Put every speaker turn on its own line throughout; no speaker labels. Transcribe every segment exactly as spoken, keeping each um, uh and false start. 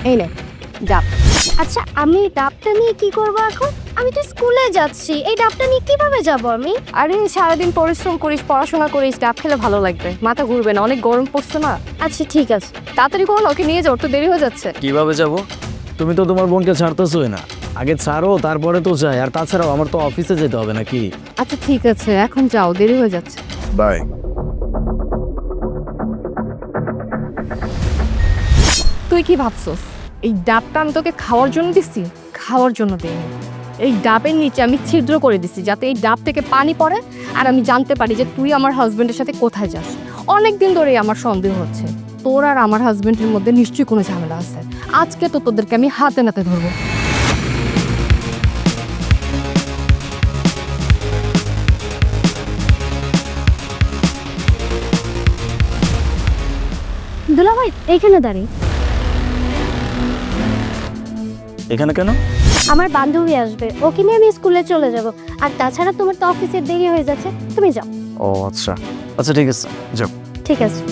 এই নে ডাব। আচ্ছা আমি ডাবটা নিয়ে কি করব এখন? আমি তো স্কুলে যাচ্ছি, এই ডাবটা নিয়ে কিভাবে যাব আমি? আরে সারাদিন পরিশ্রম করিস, পড়াশোনা করিস, ডাব খেলে ভালো লাগবে, মাথা ঘুরবে না, অনেক গরম পড়ছে না। আচ্ছা ঠিক আছে, তাড়াতাড়ি করো, ওকে নিয়ে যাও, তো দেরি হয়ে যাচ্ছে।
কিভাবে যাব?
তুমি তো তোমার বোনকে ছাড়তেছোই না, আগে ছাড়ো তারপরে তো যাই। আর তাছাড়াও আমার তো অফিসে যেতে হবে নাকি?
আচ্ছা ঠিক আছে, এখন যাও, দেরি হয়ে যাচ্ছে।
বাই।
তুই কি ভাবছস এই ডাবটা আমি তোকে খাওয়ার জন্য দিছি? খাওয়ার জন্য দিইনি, এই ডাবের নিচে আমি ছিদ্র করে দিছি যাতে এই ডাব থেকে পানি পড়ে আর আমি জানতে পারি যে তুই আমার হাজবেন্ডের সাথে কোথায় যাস। অনেক দিন ধরেই আমার সন্দেহ হচ্ছে তোর আর আমার হাজবেন্ডের মধ্যে নিশ্চয়ই কোনো ঝামেলা আছে। আজকে তো তোদেরকে আমি হাতে নাতে ধরবো। দুলাভাই এইখানে দাঁড়িয়ে।
এখানে কেন?
আমার বান্ধবী আসবে, ওকে নিয়ে আমি স্কুলে চলে যাব। আর তাছাড়া তোমার তো অফিসের দেরি হয়ে যাচ্ছে, তুমি যাও।
ও আচ্ছা আচ্ছা ঠিক আছে, যাও।
ঠিক আছে।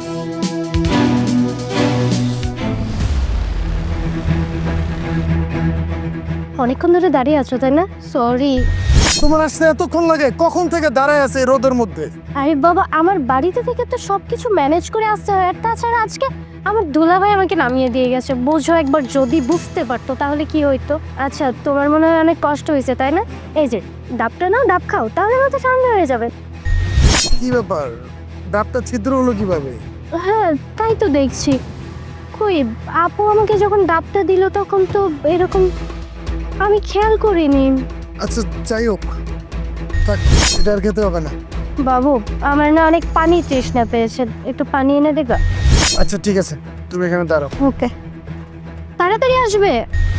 অনেকক্ষণ ধরে দাঁড়িয়ে আছো তাই না? সরি।
তোমার আসতে এতক্ষণ লাগে? কখন থেকে দাঁড়ায় আছে এই রোদের মধ্যে?
আরে বাবা, আমার বাড়িতে থেকে তো সবকিছু ম্যানেজ করে আসতে হয়। আর তাছাড়া আজকে আমার দুলাভাই আমাকে নামিয়ে দিয়ে গেছে। বোঝো, একবার যদি বুঝতে পারতো তাহলে কি হইতো। আচ্ছা তোমার মনে হয় অনেক কষ্ট হয়েছে তাই না? এই যে ডাবটা নাও, ডাব খাও, তাহলে মাথা ঠান্ডা হয়ে যাবে।
কি ব্যাপার, ডাবটা ছিদ্র হলো কিভাবে?
হ্যাঁ তাই তো দেখছি। কই, আপু আমাকে যখন ডাবটা দিল তখন তো এরকম আমি খেয়াল করিনি।
আচ্ছা যাই হোক, থাক, এটা আর খেতে হবে না।
বাবু, আমার না অনেক পানি তৃষ্ণা পেয়েছে, একটু পানি এনে দেবা?
আচ্ছা ঠিক আছে, তুমি এখানে দাঁড়াও।
ওকে, তাড়াতাড়ি আসবে।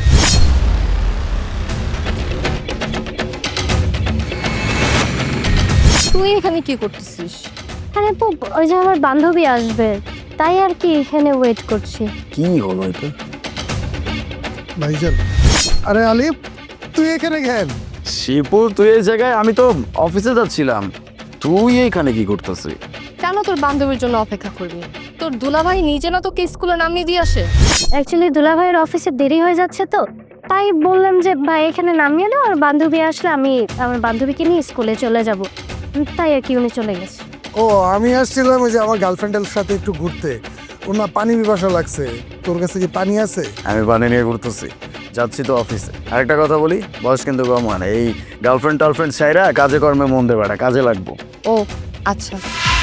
তুই এখানে কি করতেছিস? আরে আপু, ওই যে আমার বান্ধবী আসবে, তাই আর কি এখানে ওয়েট করছি।
কি হলো এটা?
ভাইজান, আরে আলিফ, তুই এখানে কেন?
শিপু তুই এই জায়গায়? আমি তো অফিসে যাচ্ছিলাম, তুই এইখানে কি করতেছিস?
কেন তোর বান্ধবীর জন্য অপেক্ষা করবি? তোর দুলাভাই নিজে না তোকে স্কুলে নামিয়ে দিয়ে আসে? অ্যাকচুয়ালি দুলাভাইয়ের অফিসে দেরি হয়ে যাচ্ছে তো, তাই বললাম যে ভাই এখানে নামিয়ে দাও, আর বান্ধবী আসলে আমি আমার বান্ধবীকে নিয়ে স্কুলে চলে যাব। তাই আর কি উনি চলে গেছে।
ও, আমি আসছিলাম ওই যে আমার গার্লফ্রেন্ডের সাথে একটু ঘুরতে। ওর না পানি পিপাসা লাগছে, তোর কাছে কি পানি আছে?
আমি পানি নিয়ে ঘুরতেছি, যাচ্ছি তো অফিসে। আরেকটা কথা বলি, বয়স কিন্তু কম হয় না। এই গার্লফ্রেন্ড টার্লফ্রেন্ড ছাইরা কাজে কর্মে মন দেবে না, কাজে লাগবো।
ও আচ্ছা,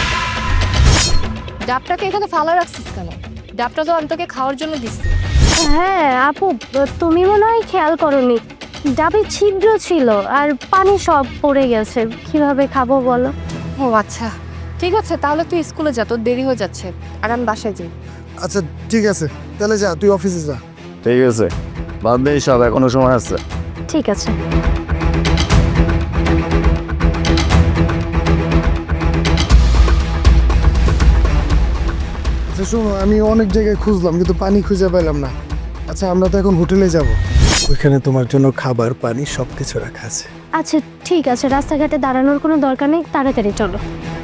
ডাবটাকে এখানে ফালা রাখছিস কেন? ডাবটা তো আমি তোকে খাওয়ার জন্য দিচ্ছি। হ্যাঁ আপু, তুমি মনে হয় খেয়াল করোনি, ডাবে ছিদ্র ছিল আর পানি সব পড়ে গেছে, কিভাবে খাবো বলো? ও আচ্ছা ঠিক আছে, তাহলে তুই স্কুলে যা, তোর দেরি হয়ে যাচ্ছে, আর আমি বাসায় যাই।
আচ্ছা ঠিক আছে, তাহলে যা, তুই অফিসে যা।
ঠিক আছে, বাদ দে সব, এখনো সময় আছে।
ঠিক আছে।
আচ্ছা শোনো, আমি অনেক জায়গায় খুঁজলাম কিন্তু পানি খুঁজে পেলাম না। আচ্ছা আমরা তো এখন হোটেলে যাব, ওইখানে তোমার জন্য খাবার পানি সব কিছু রাখা আছে।
আচ্ছা ঠিক আছে, রাস্তাঘাটে দাঁড়ানোর কোনো দরকার নেই, তাড়াতাড়ি চলো।